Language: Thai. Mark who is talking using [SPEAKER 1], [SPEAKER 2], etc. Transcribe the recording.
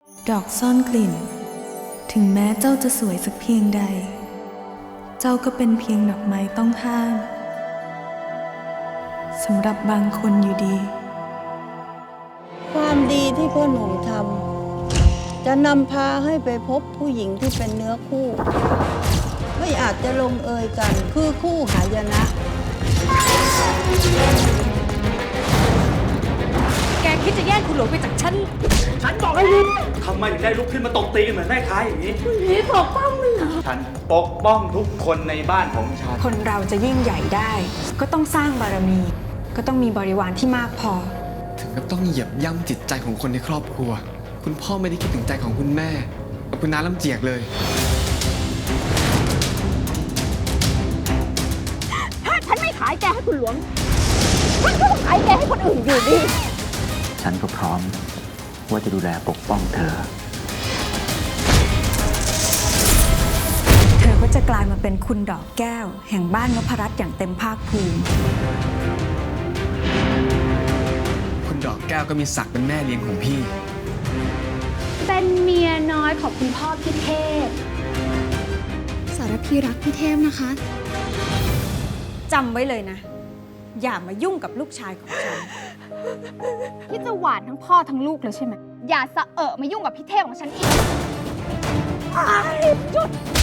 [SPEAKER 1] ดอกซ่อนกลิ่นถึงแม้เจ้าจะสวยสักเพียงใดเจ้าก็เป็นเพียงดอกไม้ต้องห้ามสำหรับบางคนอยู่ดี
[SPEAKER 2] ความดีที่พ่อหนุ่มทำจะนำพาให้ไปพบผู้หญิงที่เป็นเนื้อคู่ไม่อาจจะลงเอยกันคือคู่หายนะ
[SPEAKER 3] แกคิดจะแย่งคุณหลวงไปจากฉัน
[SPEAKER 4] ฉันบอกให้หยุดทำไมถึงได้ลุกขึ้นมาตบตีกันเหมือนแม่ค้าอย่างนี้ปกป้องมึงเหรอฉันปกป้องทุกคนในบ้านของฉัน
[SPEAKER 3] คนเราจะยิ่งใหญ่ได้ ก็ต้องสร้างบารมี ก็ต้องมีบริวารที่มากพอ
[SPEAKER 5] ถึงกับต้องเหยียบย่ำจิตใจของคนในครอบครัว คุณพ่อไม่ได้คิดถึงใจของคุณแม่กับคุณน้าลำเจียกเลย
[SPEAKER 6] ถ้าฉันไม่ขายแกให้คุณหลวงฉันก็ต้องขายแกให้คนอื่นอยู่ดี
[SPEAKER 7] ฉันก็พร้อมว่าจะดูแลปกป้องเธอ
[SPEAKER 3] เธอก็จะกลายมาเป็นคุณดอกแก้ว แห่งบ้านนพรัตน์อย่างเต็มภาคภูมิ
[SPEAKER 5] คุณดอกแก้วก็มีศักดิ์เป็นแม่เลี้ยงของพี่
[SPEAKER 6] เป็นเมียน้อยของคุณพ่อพี่เทพ
[SPEAKER 8] สารพีรักพี่เทพนะคะ
[SPEAKER 3] จำไว้เลยนะ อย่ามายุ่งกับลูกชายของฉัน
[SPEAKER 6] ที่จะหวานทั้งพ่อทั้งลูกเลยใช่ไหม อย่าสะเอะมายุ่งกับพี่เทพของฉันอีกหยุด